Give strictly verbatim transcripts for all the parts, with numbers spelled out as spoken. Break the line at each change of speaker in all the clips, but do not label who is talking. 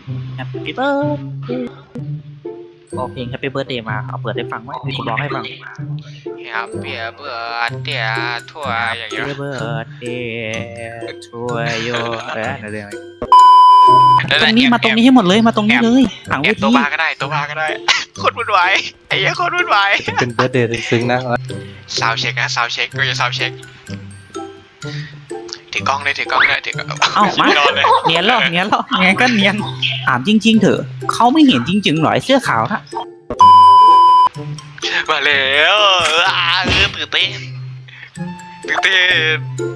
Happy birthday ก็เพลง Happy birthday มาเอาเปิดให้ฟังไว้มีคนร้องให้ฟัง
Happy birthday ทั่วอย่างเงี้ย
Happy birthday to you เออเรื่องตรงนี้มาตรงนี้ให้หมดเลยมาตรงนี้เลยหลัง
แอ
เว
บ
ที
ตัวบาก็ได้ตัวบาก็ได้โคตรวุ่นวายไอ้เหี้ยโคตรวุ่นวาย
เป็นเบิร์ดเดย์ซึ้งๆนะ
ซาวเช็คนะซาวเช็คก็จะซาวเช็คถือกล้องเลยถือกล้องเลยถือกล้อง
เอ้ามา
นอนเลย
เนียนหรอเนียนหรอเนียนก็เนียนถามจริงๆเถอะเขาไม่เห็นจริงๆหรอไอ้เสื้อขาวนะ
มาแล้วอ่าเออตื่นเต้นตื่นเต้น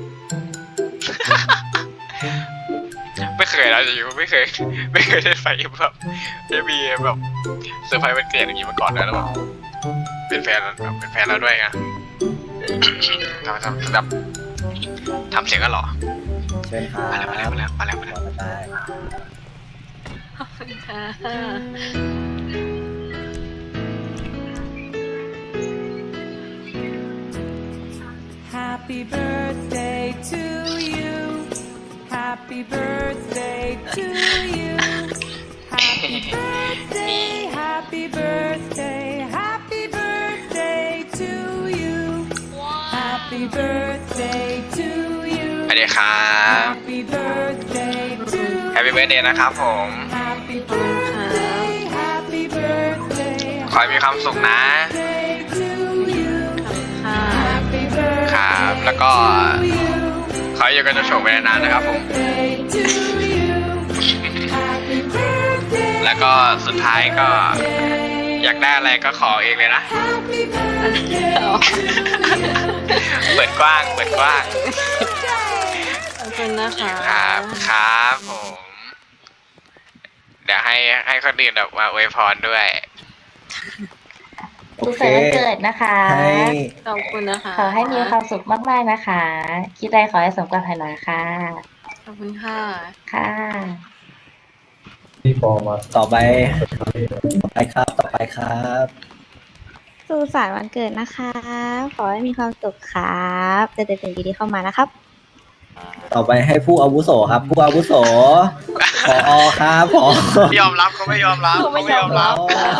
ไม่เคยนะจริงๆไม่เคยไม่เคยได้ไฟแบบได้มีแบบเซอร์ไพรส์วันเกิดอย่างนี้มาก่อนนะแล้วแบบเป็นแฟนแบบเป็นแฟนเราด้วยไงทำทำแบบทำเสียงกันหรอ
เชิญครั
มาแล้ว
บ
มาแล้วมาแล้วมาแล้วมาแล้ว
ได้
ขอบคุณค่ะ
Happy birthday to you. Happy birthday to you. Happy birthday, happy birthday, happy birthday to you. Happy birthday to you.
สวัสดีครับ
Happy birthday to you.
แฮปปี้เบิร์ดเดย์นะครับผม
Happy birthday, happy birthday,
ขอให้มีความสุขนะ
birthday to you.
ค่ะ
Happy birthday
ครับแล้วก็
to you.
ขอให้อยู่กันจนโชคไปนานๆนะครับผม
Birthday to you. Happy birthday.
แล้วก็สุดท้ายก็อยากได้อะไรก็ขอเองเลยนะ
Happy birthday.
เปิดกว้างเปิดกว้าง
ขอบคุณนะคะ
ครับครับผม เดี๋ยวให้ให้คนอื่นแบบมาอวยพรด้วย
สุขสันต์วันเกิดนะคะ
ให้
ขอบคุณนะคะ
ขอให้มีความสุขมากๆนะคะ คิดอะไรขอให้สมปรารถนาค่ะ
ขอบคุณค่ะ
ค่ะ
พี่ปอมาต่อไปต่อไปครับต่อไปครับ
สุขสันต์วันเกิดนะคะ ขอให้มีความสุขครับเจอแต่สิ่งดีๆเข้ามานะครับ
ต่อไปให้ผู้อาวุโสครับ ผู้อาวุโสผอครับผอ
ไม่ยอมรับเขาไม่ยอมรับเขาไม่ยอมรับ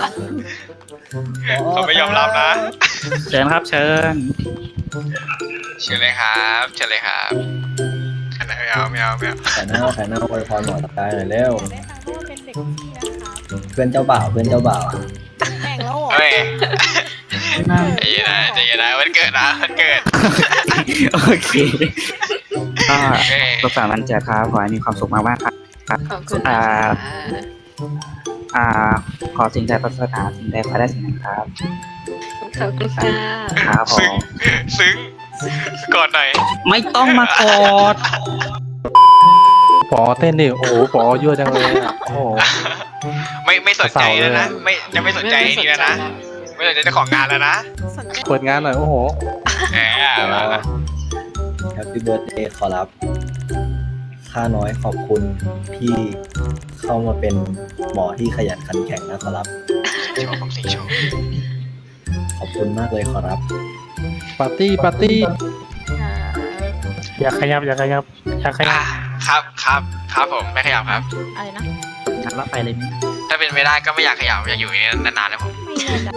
เขาไม่ยอมรับนะ
เชิญครับเชิญ
เชิญเลยครับเชิญเลยครับไม่เอาไม่เอาไม่เอา
แขนเน่าแขนเน่าอวยพรหน่อยได้หน่อยเร็ว
ได้ฟังว่าเป็นเด็กที่นะคะ
เพื่อนเจ้าบ่าวเพื่อนเจ้าบ่าว
แข่งแล้วเหรอ
เฮ้ยใจเย็นนะใจเย็นนะวันเกิดนะวันเกิด
โอเคก็สุขสันต์วันเกิดครับขอให้มีความสุขมากๆครับ
ขอบคุณ
อ่า
นะคะ
อ่าขอสิ่งใดปรารถนาสิ่งใดขอได้สิ่งนั้นครับ
ขอบคุณค่ะ
ครับผ
ซึ้ง
ม
ซึ้งกอดหน่อย
ไม่ต้องมากอด
ปอเต้นดิโอ้โหปอยั่วจังเลยอ่ะโอ้โห
ไม่ไม่สนใจแล้วนะไม่จะไม่สนใจนี่แล้วนะไม่สนใจเจ้าของงานแล้วนะ
เปิดงานหน่อยโอ้โห
แหมมาละ
แฮปปี้เบิร์ดเดย์ขอรับข้าน้อยขอบคุณพี่เข้ามาเป็นหมอที่ขยันขันแข็งนะขอรับ
โชว์ผมสิโชว์
ขอบคุณมากเลยขอรับปาร์ตี้ปาร์ตี้
ค่ะ
อยากขยับอยากขยับอยากขยั
อ่า
บ
ครับครับครับผมไม่ขยับครับ
อะไรนะ
นัดรับไปเลยมั้ย
ถ้าเป็นไม่ได้ก็ไม่อยากขยับอยากอยู่อย่างนี้นานๆแล้วผม
ไม่เลยจ้ะ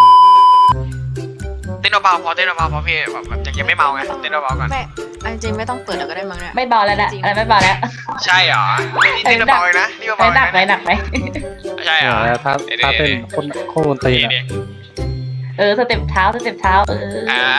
เต้นเบาๆพอเต้นเบาๆพอพี่แบบแบบยังไม่เมาไงเต้นเบาๆก่อน
ไม่เอาจริงๆไม่ต้องเปิดแล้วก็ได้มั้งเนี่ย
ไม่เบาแล้วนะ
จริง
อะไรไม่เบาแล้ว
ใช่เหรอนี่เต้นเบาๆเลยนะนี่
ไม่
เบาๆ
หนักไหม
เลย
หนักไหม
ใช่เหรอ
ถ้าถ้าเป็นคนคนดนตรี
นี่
นะ
นี่
เออสเต็ปเท้าสเต็ปเท้าเออ
อ่า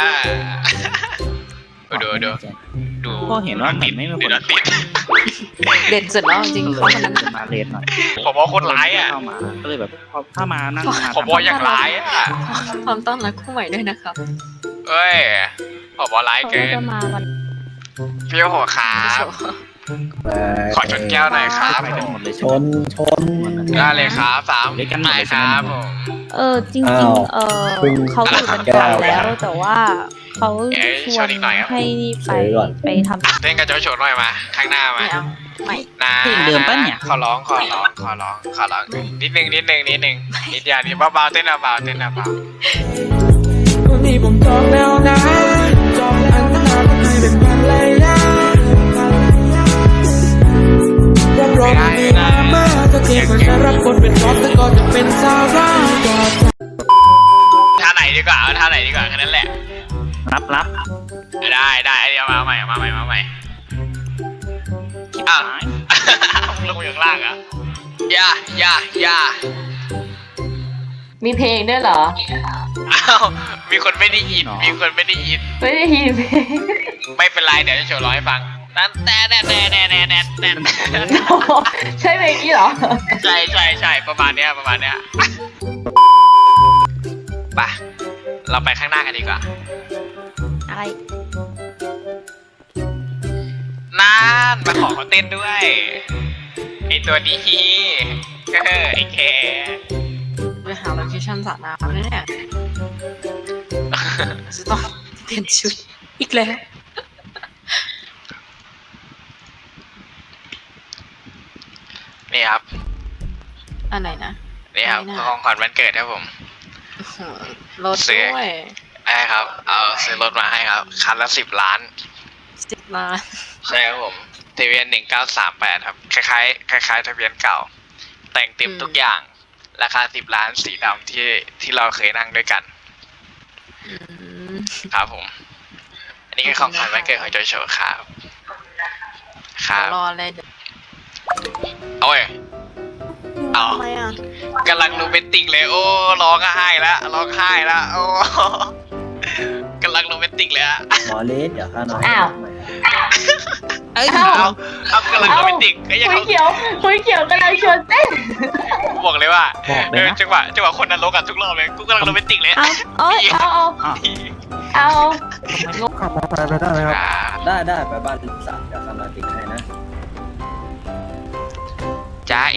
ดูดูดู
ก็เห็นว่าเหมือนไม่มีค
ดู
น
นะติด
เด็ดสุดแล้วจริงๆ
ก็
เขา
เลย
คนนั้น
จะมาเลนหน่อย
ผมว่าคนร้ายอ่ะ
เข้ามาก็เลยแบบพอถ้ามานั่งมา
ผมว่าอย่างร้ายอ่ะ
พร้อมต้อนรับคู่ใหม่ด้วยนะครับ
เอ้ยผมว่าร้าย
เขา
เกิน
จะมาวัน
พี่โอ้โหครับขอชนแก้วหน่อยครับ
ไปกันหมดเลย
ช
ใช่ไหม
นชน
ได้เลยครับสามไหนครับผม
เออจริง
อ้าว
ๆ เออ
เพิ่ง
เขาอยู่กัน
แก้
ก่อน
ว
แล้ว แต่ว่าเขา
เอ้ย
ช
ช
ว
วน
น
อีกหน่อยครับ
ให้ไป
เฉยก่อน
ไปทำ
เต้นกับโจโฉหน่อยมาข้างหน้ามา
ไม่เอาไม่
นะ
เพลงเดิมปะเนี่ย
ขอร้องขอร้องขอร้องขอร้องนิดนึงนิดนึงนิดนึงนิดเดียวนิดเบาๆเต้นเบาๆเต้นเบา
วันนี้ผมจองแล้วนะจองอันนาไม่เป็นวันเลยนะรับรองมีมามาจะเจเองมันจะรับบทเป็นท็อปแต่ก็จะเป็นซาร่าก่อน
ท่าไหนดีกว่าเอาท่าไหนดีกว่าแค่นั้นแหละ
รับรับ
ได้ได้ไอเดียมาใหม่มาใหม่มาใหม่อ้าวลงมาอยู่ข้างล่างอ่ะย่าย่าย่า
มีเพลงด้วยเหรอ
อ้าวมีคนไม่ได้ยินมีคนไม่ได้ยิน
ไม่ได้ยินเพลง
ไม่เป็นไรเดี๋ยวจะโชว์ร้องให้ฟังแต่แต่แต่แต่แต่แต่แต่แต่
ใช่เพลงนี้เหรอ
ใช่ใช่ใช่ประมาณเนี้ยประมาณเนี้ยไปเราไปข้างหน้ากันดีกว่า
อะไร
นั่นมาขอเขาเต้นด้วยไอตัวดีเออไอแค
ไปหาโลเคชั่นสระน้ำเนี่ยจะต้องเปลี่ยนชุดอีกแล้ว
นี่ครับ
อันไหนนะ
นี่ครับ
ไม่น่า
ของขวัญวันเกิดครับผม
อื้อหือรถด้วย
ใช่ครับ เอาซื้อรถมาให้ครับ คันละสิบล้าน
สิบล้าน
ใช่ครับผมทะเบียนหนึ่งเก้าสามแปดครับ คล้ายๆคล้ายๆทะเบียนเก่า แต่งเต็มทุกอย่าง ราคาสิบล้านสีดำที่ที่เราเคยนั่งด้วยกัน
อืม
ครับผม อันนี้คือของขวัญวันเกิดของโจโฉครับ ครับ
รอเลยเดี๋ยว
เอาเว้ยเอา
ทำไมอ่ะ
กำลังโรแมนติกเลย โอ้ร้องไห้แล้วร้องไห้แล้วโอ้กำลังโรแมนติกเลยอะ
หมอเลสเดี๋ยวข้าน้อย
อ้าว
เอ้ย
อ้าว
เอาเอากำลังโรแมนติกก็ยัง
คุยเขียวคุยเขียวกำลังชวนเต้น
บอกเลยว่า
บอกเล
เอย อ
นะ
จังหวะจังหวะคนนั้นลงกันทุกรอบเลยกูกำลังโรแมนติกเลย
เอาเอ้ย
เอาเอา
ขับมอเตอร์ไซค์ไปได้ไหมครับ
ได้ได้ไปบ้านลูกสาวเดี๋ยวข้ามาติดให้นะ
จ้าเอ๋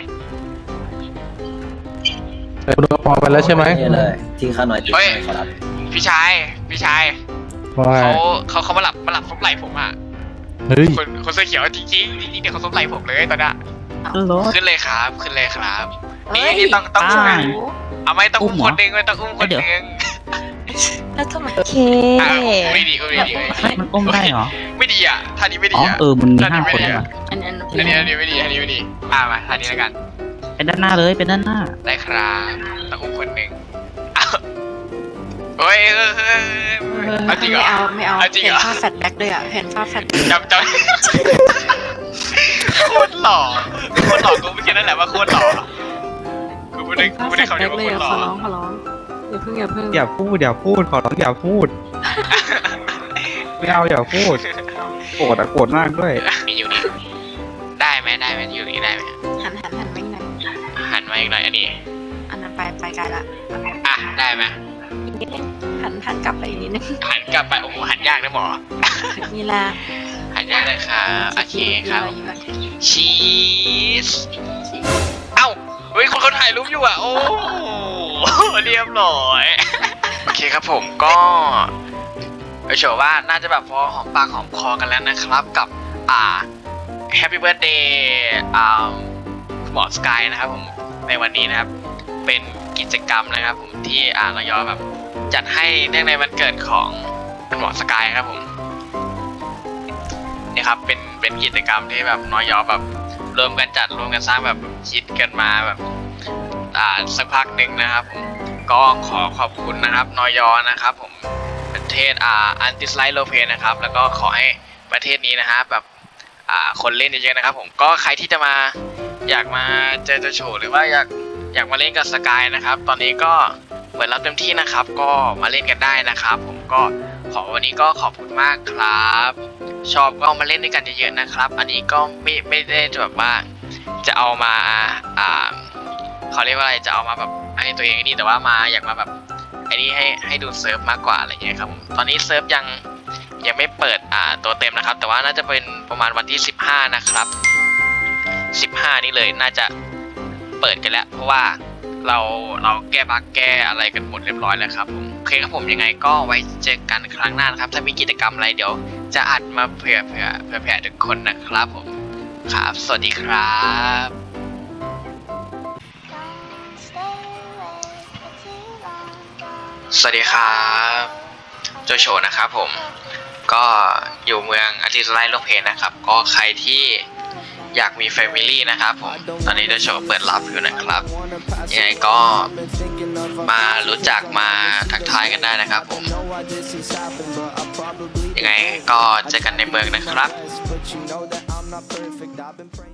เออดูกระป๋อไปแล้วใช่ไหม
นี่เลยที่ข้าน้อยติดให้ขอรับ
พี่ชายพี่ชาย
ว่า
เขาเขาเขามาหลับมาหลับซบไหล่ผมอ่ะ
เฮ้ย
คนคนเสื้อเขียวจริงจริงๆจริงๆเดี๋ยวเขาซบไหล่ผมเลยตอนเนี้ย
รถ
ขึ้นเลยครับขึ้นเลยครับนี่
เอ้ย
นี่ต้องต้อง
อ่า
อุ้มเอาไม่ต้องอุ้ม
อุ้มเหรอ
คนหนึ่งไม่ต้องอุ้มคนหนึ่ง
แล้วทำไม
โอเค
อ่ะไม่ดีไม่ดีไม่ดี
มันอุ้มได้เหรอ
ไม่ดีอ่ะท่านี้ไม่ดี
อ๋อ
อ่ะ
เออมันมี
ท่า
ห้า
นี้ไม่
คน
ดี
ได้
อ่ะ
ปะ
อันอัน
อันนี้อันนี้ไม่ดีอันนี้ไม่ดีอ่ามาท่านี้แล้วกัน
เป็นด้านหน้าเลยเป็นด้านหน้า
ได้ครับต้องอุ้มคนหนึ่งอ้าวเฮ้ยเออเออเออเอาจริงเหร
ไม่
อ
เอาไม่เอา
เอาจริง
เห็
เห
น
รอ
ภาพแฟลชแบ็กด้วยอ่ะเห็นภาพแฟลชแบ็ก
จำจำโคตรหล่อโคตรหล่อกูไม่คิดนั่นแหละว่าโคตรหล่อกูไม่ได้กูไม่ได้คำเดียวว่า
เล
โค
ย
ตรหล่
ข
อ
อร้องขอร้องอย่าเพิ่งอย่าเพิ่ง
อย่าพูดอย่าพูดขอร้องอย่าพูด ไม่เอาอย่าพูดโกรธอะโกรธมากด้วย
มีอยู่นี่ได้ไหมได้ไหมอยู่นี่ได้ไหม
หันหันหันไม่ไหนอย
หันมาอีกหน่อยอันนี้
อันนั้นไปไปไกลละ
อ่ะได้ไหม
อีกนิดนึงหันหันกลับไปอีกนิดนึง
หันกลับไปโอ้โหหันยากนะหมอ
นี่ละ
หันยากเลยครับโอเคครับ
ยืนไว้ยืนไว้
ชีสเอ้าเฮ้ยคนเขาถ่ายรูปอยู่อ่ะโอ้เรียบร้อยโอเคครับผมก็เออเชื่อว่าน่าจะแบบพอหอมปากหอมคอกันแล้วนะครับกับอ่า Happy Birthday อ่าหมอสกายนะครับผมในวันนี้นะครับเป็นกิจกรรมนะครับผมที่อ่าเรายอแบบจัดให้เนื่องในวันเกิดของหมอสกายครับผมนี่ครับเป็นเป็นกิจกรรมที่แบบน้อยยอแบบรวมกันจัดรวมกันสร้างแบบคิดกันมาแบบอ่าสักพักหนึ่งนะครับผมก็ขอขอบคุณนะครับน้อยยอนะครับผมประเทศอ่าอันติสไลโลเพนะครับแล้วก็ขอให้ประเทศนี้นะฮะแบบอ่าคนเล่นเยอะๆนะครับผมก็ใครที่จะมาอยากมาเจอเจอโชว์หรือว่าอยากอยากมาเล่นกับสกายนะครับตอนนี้ก็เปิดรับเต็มที่นะครับก็มาเล่นกันได้นะครับผมก็ขอวันนี้ก็ขอบคุณมากครับชอบก็มาเล่นด้วยกันเยอะๆนะครับอันนี้ก็ไม่ไม่ได้แบบว่าจะเอามาอ่าเขาเรียกว่าอะไรจะเอามาแบบให้ตัวเองนี่แต่ว่ามาอยากมาแบบไอ้นี่ให้ให้ดูเซิร์ฟมากกว่าอะไรเงี้ยครับผมตอนนี้เซิร์ฟยังยังไม่เปิดอ่าตัวเต็มนะครับแต่ว่าน่าจะเป็นประมาณวันที่สิบห้านะครับสิบห้านี่เลยน่าจะเปิดกันแล้วเพราะว่าเราเราแก้บั๊กแก้อะไรกันหมดเรียบร้อยแล้วครับผมโอเคครับผมยังไงก็ไว้เจอกันครั้งหน้านะครับถ้ามีกิจกรรมอะไรเดี๋ยวจะอัดมาเผื่อเผื่อเผื่อแผ่ทุกคนนะครับผมครับสวัสดีครับสวัสดีครับโจโฉนะครับผมก็อยู่เมืองอาร์ติสไลโลเพนนะครับก็ใครที่อยากมีแฟมิลี่นะครับผมตอนนี้เดอะโชว์เปิดรับอยู่นะครับยังไงก็มารู้จักมาทักทายกันได้นะครับผมยังไงก็เจอกันในเมืองนะครับ